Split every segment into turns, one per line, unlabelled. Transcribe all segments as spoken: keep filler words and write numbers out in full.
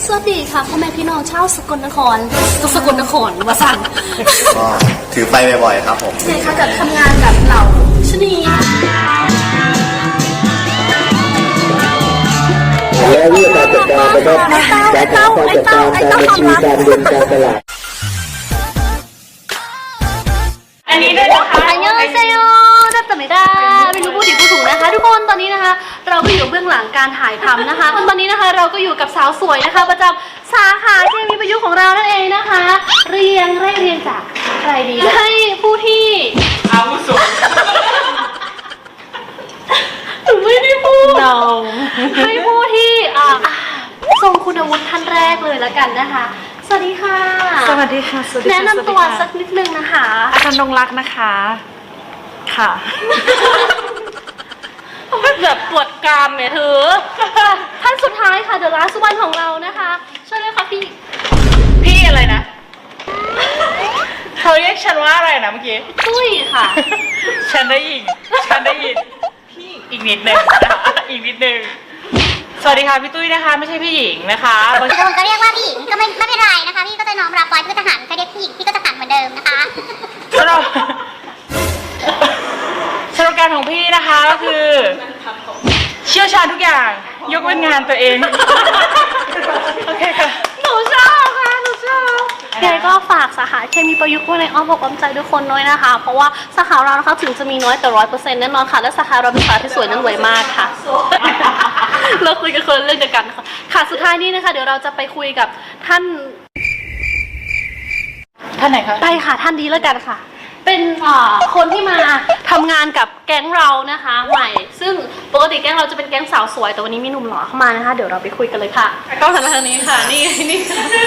สวัสดีค่ะพ่อแม่พี่น้องชาวสกลนครสกลนครวาสัน
ก็ถือไปบ่อยๆครับผม
ใช่ค่ะจะทำงานกับเหล่าชนี
และวิธีการจัดการนะครับการทำการจัดการตามบัญชีการเงินการตลาด
อันนี้ด้วยนะคะอันยองเซโยดัตตะไม่ได้ไม่รู้พูดผิดพูดถูกนะคะทุกคนตอนนี้นะคะเราก็อยู่เบื้องหลังการถ่ายทำนะคะตอนนี้นะคะเราก็อยู่กับสาวสวยนะคะประจำสาขาเคมีประยุกต์ของเรานั่นเองนะคะเรียงไล่เรียงจากใครดีให้ผู้ที่อาวุโสหนูไม่ได้พูด no. ให้ผู้ที่ทรงคุณวุฒิท่านแรกเลยละกันนะคะสวัสดีค่ะ
สวัสดีค่ะ
แนะนำตัวสักนิดนึงนะคะ
อาจารย์นงรักนะคะค่ะ
แบบปวดกรามเนี่ยเธอท่านสุดท้ายค่ะเดอะลาสวันของเรานะคะช่วยเลยค่ะพี่
พี่อะไรนะเขาเรียกฉันว่าอะไรนะเมื่อกี้
ตุ้ยค่ะ
ฉันได้ยินฉันได้ยินพี่อีกนิดนึงอีกนิดนึงสวัสดีค่ะพี่ตุ้ยนะคะไม่ใช่พี่หญิงนะคะ
บางคนก็เรียกว่าพี่หญิงก็ไม่ไม่เป็นไรนะคะพี่ก็จะน้อมรับไว้พี่ก็จะหันใครเรียกพี่หญิงพี่ก็จะหันเหมือนเดิมนะคะ
สำหรับสำหรับการของพี่นะคะก็คือเชี่ยวชาญทุกอย่างยกเว้นงานตัวเองโอเคค่ะ
หนูชอบค่ะหนูชอบยังไงก็ฝากสาขาเคมีประยุกต์ไว้ในอ้อมอกอ้อมใจทุกคนด้วยนะคะเพราะว่าสาขาเรานะคะถึงจะมีน้อยแต่ร้อยเปอร์เซ็นต์แน่นอนค่ะและสาขาเราเป็นสาขาที่สวยและรวยมากค่ะเราคุยกันคนเรื่องเดียวกันค่ะค่ะสุดท้ายนี้นะคะเดี๋ยวเราจะไปคุยกับท่าน
ท่านไหนคะ
ไปค่ะท่านดีแล้วกันค่ะเป็นคนที่มาทำงานกับแก๊งเรานะคะใหม่ซึ่งปกติแก๊งเราจะเป็นแก๊งสาวสวยแต่วันนี้มีหนุ่มหล่อเข้ามานะคะเดี๋ยวเราไปคุยกันเลยค่ะก็หันมาทางนี้ค่ะนี่นี่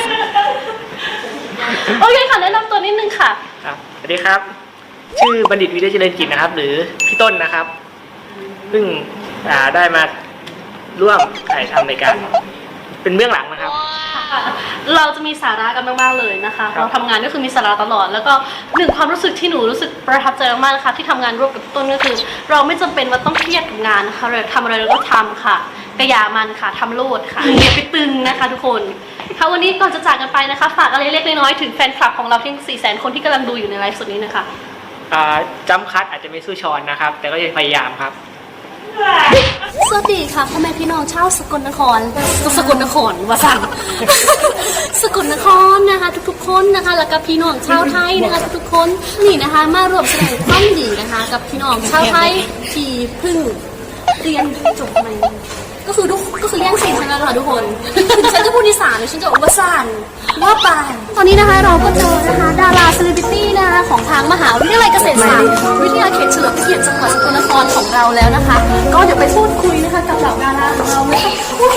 โอเคค่ะแนะนำตัวนิดนึงค่ะ
ครับสวัสดีครับชื่อบัณฑิตวิทยาเจริญกิจนะครับหรือพี่ต้นนะครับเพิ่งได้มาร่วมถ่ายทำในการเป็นเบื้องหลังนะครับ
เราจะมีสาระกันมากๆเลยนะคะเราทำงานก็คือมีสาระตลอดแล้วก็หนึ่งความรู้สึกที่หนูรู้สึกประทับใจมากๆนะคะที่ทำงานร่วมกับต้นก็คือเราไม่จำเป็นว่าต้องเครียดกับงานนะคะเราทำอะไรเราก็ทำค่ะกระยามันค่ะทำโลดค่ะอย่าไปตึงนะคะทุกคนค่ะวันนี้ก่อนจะจากกันไปนะคะฝากอะไรเล็กน้อยถึงแฟนคลับของเราทั้งสี่แสนคนที่กำลังดูอยู่ในไลฟ์สดนี้นะคะ
จำคัดอาจจะไม่สู้ชอนนะครับแต่ก็จะพยายามครับ
สวัสดีค่ะพ่อแม่พี่น้องชาวสกลนครสกลนครวาสันสกลนครนะคะทุกๆคนนะคะแล้วก็พี่น้องชาวไทยนะคะทุกๆคนนี่นะคะมารวมแสดงความดีนะคะกับพี่น้องชาวไทยที่เพิ่งเรียนจบใหม่ก็คือทุกก็คือแย่งซีนทั้งนั้นค่ะทุกคนฉันจะพูดอีสานหรือฉันจะวาสันว่าไปตอนนี้นะคะเราก็เจอนะคะดาราเซเลบริตี้นะคะของทางมหาวิทยาลัยเกษตรศาสตร์วิทยาเขตเฉลิมพระเกียรติจังหวัดสกลนครของเราแล้วนะคะก็เดี๋ยวไปพูดคุยนะคะกับเหล่าดาราของเรานะคะ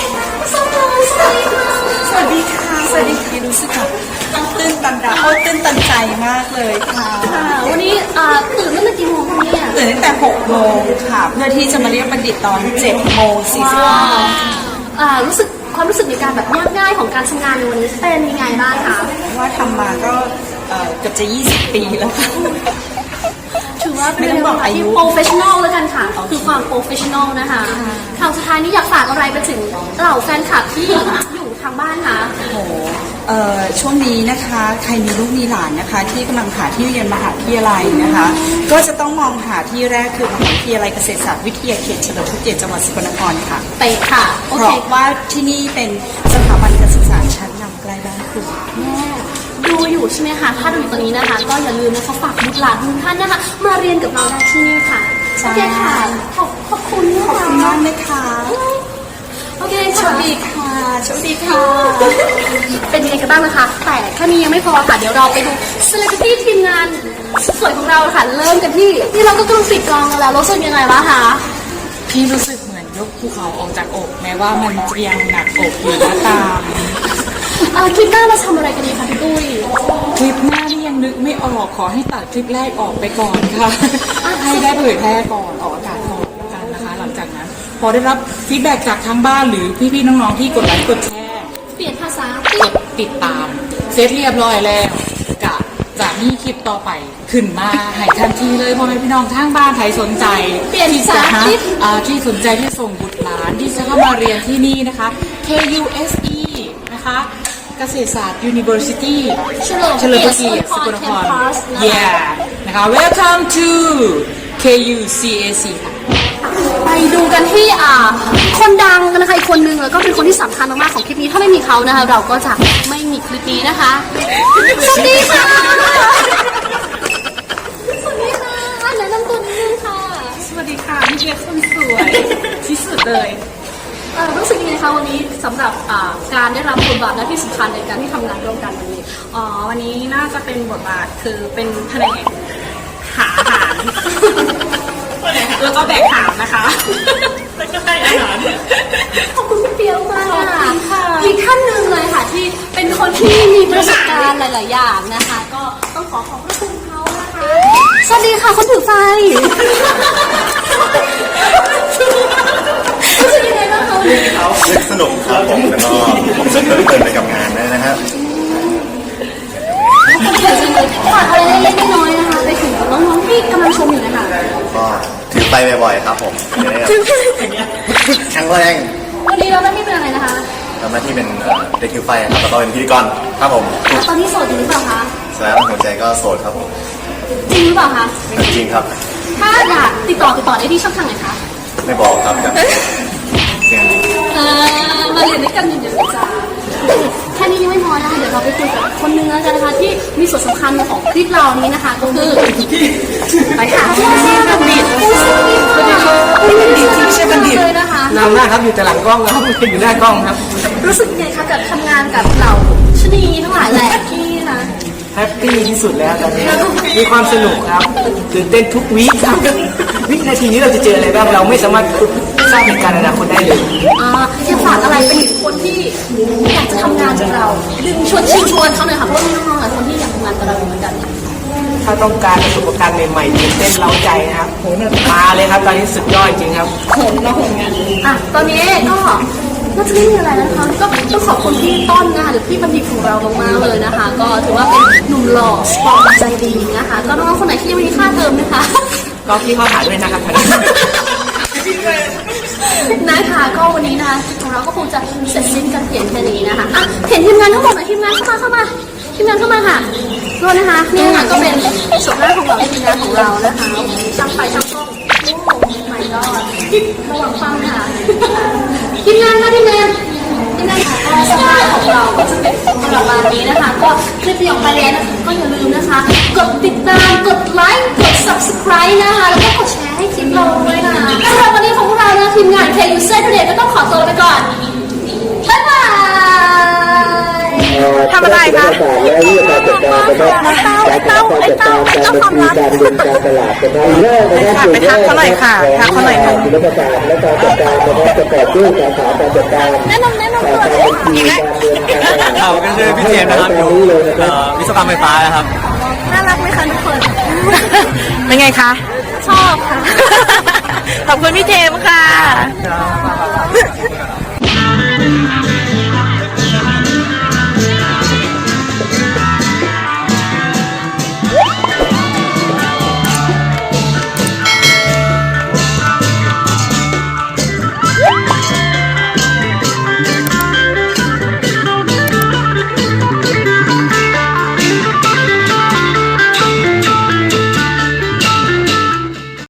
สวัสดีค่ะ
สวัสดีค่ะรู้สึกแบบตื้นตันดาตื้นตันใจมากเลยค่ะ
วันนี้ตื่นตั้งแต่กี่โมงคะเนี่ย
ตื่นตั้งแต่หกโมงค่ะเพื่อที่จะมาเรียกบัณฑิตตอนเจ็ดโมงสี่สิบ
ห้ารู้สึกความรู้สึกในการแบบยากง่ายของการทำงานในวันนี้เป็นยังไงบ้างคะ
ว่าทำมาก็เกือบจะยี่สิบปีแล้วค่ะ
ถือว่าเป็นเรื่องที่โปรเฟชชั่นอลแล้วกันค่ะคือความโปรเฟชชั่นอลนะคะคำสุดท้ายนี้อยากฝากอะไรไปถึงเหล่าแฟนคลับที่อยู่ทางบ้านคะ
โอ้โหช่วงนี้นะคะใครมีลูกมีหลานนะคะที่กำลังหาที่เรียนมหาวิทยาลัยนะคะก็จะต้องมองหาที่แรกคือมหาวิทยาลัยเกษตรศาสตร์วิทยาเขตเฉลิมพระเกียรติจังหวัดสกลนครค่ะ
เป๊ะค่ะ
เพราะว่าที่นี่เป็นสถาบันการศึกษาชั้นนำใกล้บ้านคุณ
แม่ดูอยู่ใช่ไหมคะถ้าดูอยู่ตรงนี้นะคะก็อย่าลืมนะคะฝากบุตรหลานทุกท่านนะคะมาเรียนกับเราได้ที่นี่ค่ะโอเคค่ะขอบขอบคุณ
ขอบคุณมากนะคะ
โอเค
โชคดีค่ะโชคดีค่ะ
เป็นยังไงกันบ้างนะคะแต่แค่นี้ยังไม่พอค่ะเดี๋ยวเราไปดูเซเลบริตี้ทีมงานสวยของเราค่ะเริ่มกันที่ที่เราก็กำลังปิดกองแล้วรู้สึกยังไงบ้างคะ
พี่รู้สึกเหมือนยกภูเขาออกจากอกแม้ว่ามันจะยังหนักอกอยู่ก็ตาม
คลิปหน้าเราทำอะไรกันดีคะพี่ตุ้ย
คลิปหน้าที่ยังนึกไม่ออกขอให้ตัดคลิปแรกออกไปก่อนค่ะให้ได้เผยแพร่ก่อนออกอากาศก่อนกันนะคะหลังจากนั้นพอได้รับฟีดแบ็กจากทางบ้านหรือพี่ๆน้องๆที่กดไลค์กดแชร์
เปลี่ยนภาษาก
ดติดตามเสร็จเรียบร้อยแล้วกะจะมีคลิปต่อไปขึ้นมาให้ทันทีเลยพ่อแม่พี่น้องทางบ้านใครสนใจ
ที่
จะฮะที่สนใจที่ส่งบุตรหลานที่จะเข้ามาเรียนที่นี่นะคะ เค ยู เอส อี นะคะนะคะเกษตรศาสตร์ University
เฉลิม
เฉลิมพระเกียรติสกลนคร yeah นะคะ welcome to เค ยู ซี เอ ซี ค่ะ
ไปดูกันที่อ่าคนดังกันนะคะอีกคนนึงแล้วก็เป็นคนที่สำคัญมากๆของคลิปนี้ถ้าไม่มีเขานะคะ เราก็จะไม่มีคลิปนี้นะคะสวัสดีค่ะสวัสดีค่ะแนะนำตัวนิดนึงค่ะ
สวัสดีค่ะพี่เล็กคนสวยที่สุดเลย
เอ่อรู้สึกยังไงคะวันนี้สำหรับอ่าการได้รับบทบาทหน้าที่สำคัญในการที่ทำงานร่วมกันวันนี้
อ๋อ วันนี้น่าจะเป็นบทบาทคือเป็นแผนกหาอาหาร แล้วก็แบกหามนะคะแล้วก็ให้อาหาร
ขอบคุณพี่เปียวมากค่ะอีกท่านหนึ่งเลยค่ะที่เป็นคนที่มีประสบการณ์หลาย ๆ อย่างนะคะ ก็ต้องขอขอบพระคุณเขานะคะสวัสดีค่ะคนถือไฟรู้สึกยังไงบ้างคะ
นึกสนุกครับผมแล้วก็ผมสนุกเพลินไปกับงานด้วยนะครับ
คนเขียนจริงเลยฝากอะไรเล็กๆน้อยๆนะคะไปถึงน้องๆที่กำลังชมอยู่นะคะ
ก็ถือไฟบ่อยๆครับผมจะได้แข็งแรง
วันนี้เราไม่เป็นอะไรนะคะ
ทำหน้าที่เป็นเอ่อเด็กถือไฟครับแล้วก็เป็นพิธีกรครับผม
ตอนนี้โสดอยู่หรือเปล่าคะ
แสดงหัวใจก็โสดครับผม
จริงหรือเปล่าคะ
จริงครับ
ถ้าอยากติดต่อติดต่อได้ที่ช่องทางไหนคะ
ไม่บอกครับครับเสียง
เออมาเรียนด้วยกันอยู่เดี๋ยวจ้าแค่นี้ยังไม่พอนะคะเดี๋ยวเราไปคุยกับคนนึงแล้วกันนะคะที่มีส่วนสำคัญของคลิปเรานี้นะคะก็คือไปค่ะที่บัณฑิตสวัสดีค่ะบัณฑิตที่ไม่ใช่บัณฑิตเลยนะคะ
นำหน้าครับอยู่แต่หลังกล้องนะครับไม่อยู่หน้ากล้องครับ
รู้สึกยังไงคะกับทำงานกับเหล่าชนีทั้งหลายแหล่ที่นะ
แฮปปี้ที่สุดแล้วตอนนี้มีความสนุกครับตื่นเต้นทุกวีคครับวินาทีนี้เราจะเจออะไรบ้างเราไม่สามารถทราบเหตุการณ์อนาคตได้เลย
อ่าอยากฝากอะไรไปถึงคนที่อยากจะทำงานกับเราดึงชวนชิงชวนเขาหน่อยค่ะเพราะว่ามีน้องๆหลายคนที่อยากทำงานกับเราเหมือนกัน
ถ้าต้องการประสบการณ์ใหม่ๆตื่นเต้นเร้าใจนะครับมาเลยครับตอนนี้สุดยอดจริงครับ
อ่ะตอนนี้ก็น่าจะไม่มีอะไรแล้วนะคะก็ต้องขอบคุณพี่ต้นนะคะหรือพี่บัณฑิตของเรามากๆเลยนะคะ ก็ถือว่าเป็นหนุ่มหล่อสปอร์ตใจดีนะคะก็น้องๆคนไหนที่ยังไม่มีค่าเทอมนะคะ
ก็พี่เข้าหาด้วยนะครับ
นะคะก็วันนี้นะคะของเราก็คงจะเสร็จสิ้นกันเพียงแค่นี้นะคะอ่ะเห็นทีมงานทั้งหมดหน่อยทีมงานเข้ามาเข้ามาทีมงานเข้ามาค่ะรวนนะคะนี่ค่ะก็เป็นส่วนหน้าของเราทีมงานของเรานะคะช่างไฟช่างกล้องโอ้ใหม่ก็ระวังฟังค่ะทีมงานค่ะทีมงานทีมงานค่ะก็สภาพของเราก็จะเป็นประมาณนี้นะคะก็คลิปที่ออกมาแล้วนะคะก็อย่าลืมนะคะกดติดตามกดไลค์กด ซับสไครบ์ นะคะแล้วก็กดแชร์ให้คลิปเราด้วยนะสำหรับวันนี้ของพวกเรานะทีมงาน เค ยู ซี Today ก็ต้องขอตัวไปก่อนบ๊ายบาย
ทำอะไรคะและวิธีการจัดการนะครับการจัดการจัดการการบัญชีการเงินการตลาดนะครับแรกนะครับไปทักเขาหน่อยค่ะทักเขาหน่อยค่ะศิลปศาสตร์และการจัดการนะครับประกอบด้วยสาขาการจัดการ
แนะนำแนะนำ
สา
ตัว
ขาบัญชีการเงินการตลาด
เราก็คือพี่เจมส์นะครับอยู่เอ่อวิศวกรรมไฟฟ้านะครับ
น่ารักไหมคะทุกคน
เป็นไงคะ
ชอบค่ะ
ขอบคุณพี่เจมส์ค่ะ
ค